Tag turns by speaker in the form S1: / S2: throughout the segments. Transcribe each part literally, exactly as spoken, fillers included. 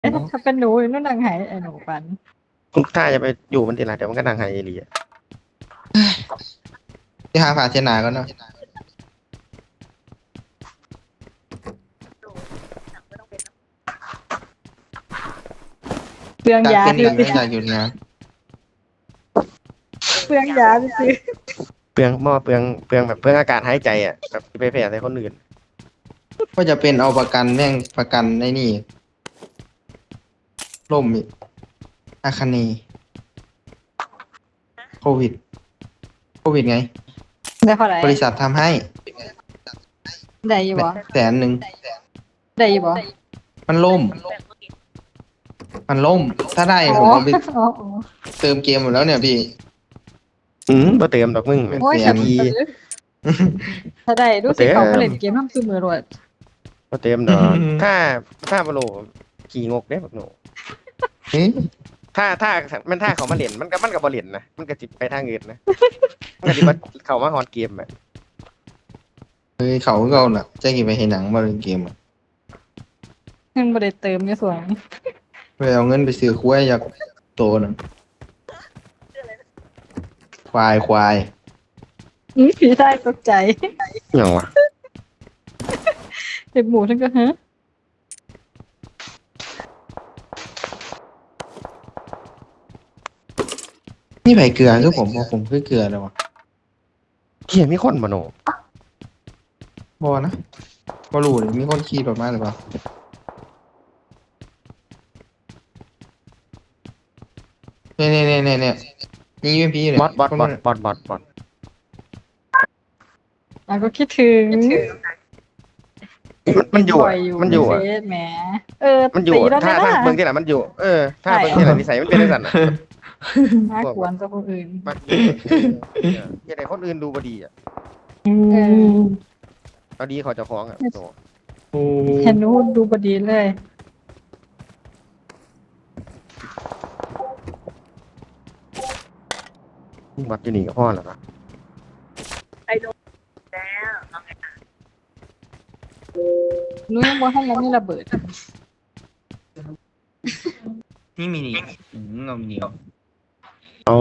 S1: ถ้าเป็นหนูนู่นนางหายไอ้หนูปัน
S2: คุณถ้าจะไปอยู่มันทีไรเดี๋ยวมันก็นางไฮเอเรีย
S3: ที่หาผ่าเชนาก็เนาะ
S1: เปลือง
S3: อยาก
S1: ยา
S3: เป็น
S1: ซื้
S3: อ
S1: อย่าง
S3: ไม่อยากหยุดงาน
S1: เปลืองยาซื้อ
S2: เปลืองหม้อเปลืองเปลืองแบบเปลืองอากาศหายใจอ่ะแบบไปแผ่ใส่คนอื่น
S3: ก็จะเป็นเอาประกันแม่งประกันในนี่ล่มอีกอาคาเนโควิดโควิดไง
S1: ได้เท่าไหร่
S3: บริษัททำให้
S1: ได้อยู่บ่
S3: แสนหนึ่ง
S1: ได้อยู่บ่
S3: มันล่ม มันล่ม ถ้าได้ผมเอาไป
S1: อ๋ออ๋อ
S3: เติมเกมหมดแล้วเนี่ยพี่
S2: อืมบ่เติมดอกมึง
S3: เป็น
S1: โอ้ย
S3: แส
S1: แต่
S3: น
S1: ถ้าได้รู้สึกเขาก็เล่นเกมน้ำซื้อมือรวด
S2: บ่เติมดอกถ้าถ้าบโลขี่งกเด้บักหนู
S3: เฮ้ย
S2: ถ้าถ้ามันถ้าเขามาเล่นมันก็มันก็บ่เล่นนะมันก็สิไปทางอื่นนะมันก็สิมาเข้ามาฮอดเกมอ่ะ
S3: เฮ้ยเขาก็เอาน่ะจะกี่ไปเห็นหนังมาเล่นเกมอะ
S1: เงินบ่ได้เติมในส่วน
S3: ไปเอาเงินไปซื้อคุ้ยอยากโตน่ะควายควาย
S1: อื้อผีได้ตกใจ
S2: หยังวะ
S1: เด็กหมูทั้งก็ฮะ
S3: นี่ไผ่เกลือคือผมบอกผมคือเกลือเลยวะ
S2: เขียนมีคนบ่หนู
S3: บอนะบอรู้เลยมีคนขี่รถมาหรือเปล่าเนี่ยเนี่ยเนี่ยเนี่ยเนี่ยนี่ยูเอ็มพีเนี่ย
S2: บอทบอท
S3: คน
S2: บอ
S3: นั้
S2: ท
S3: น
S2: บอทบอทบอท
S1: อ่ะก็คิดถึง
S2: มันมันอยู่
S1: บ่
S2: อะ
S1: อยอยู่
S2: มันอยู่
S1: ใน
S2: อะ
S1: เฟซแหมเออ
S2: มันอยู่
S1: ตี
S2: อะ
S1: แล้ว
S2: ถ้า
S1: นะ
S2: ถ้าเบิ่งที่ไหนมันอยู่เออถ้าเบิ่งที่ไหนนิสัยมันเป็นจังซั่นน่ะ
S1: น่ากวนกับคนอื่น
S2: มักอย่าให้คนอื่นดูบ่ดีอ่ะ
S1: เออ
S2: เอาดีเขาเจ้าของอ่ะโต
S3: โอ้
S1: เห็นนูดูบดีเลย
S2: บัดอยู่นี่ก็พอแล้วนะ
S1: หนูยังบ่ให้ยังไม่ระเบิด
S3: นี่มีนี่อืมเอามีนี่
S2: เอา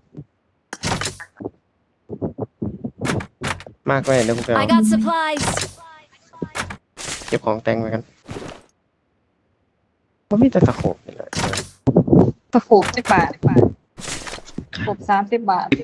S2: มากไว้เดี๋ยวกูไปเอา
S4: I got supplies.
S2: เก็บของแต่งไว้กันว่ามีแต่ตะโขบนี่แหละ
S1: ตะโขบสิบบาทตะโขบสามสิบบาท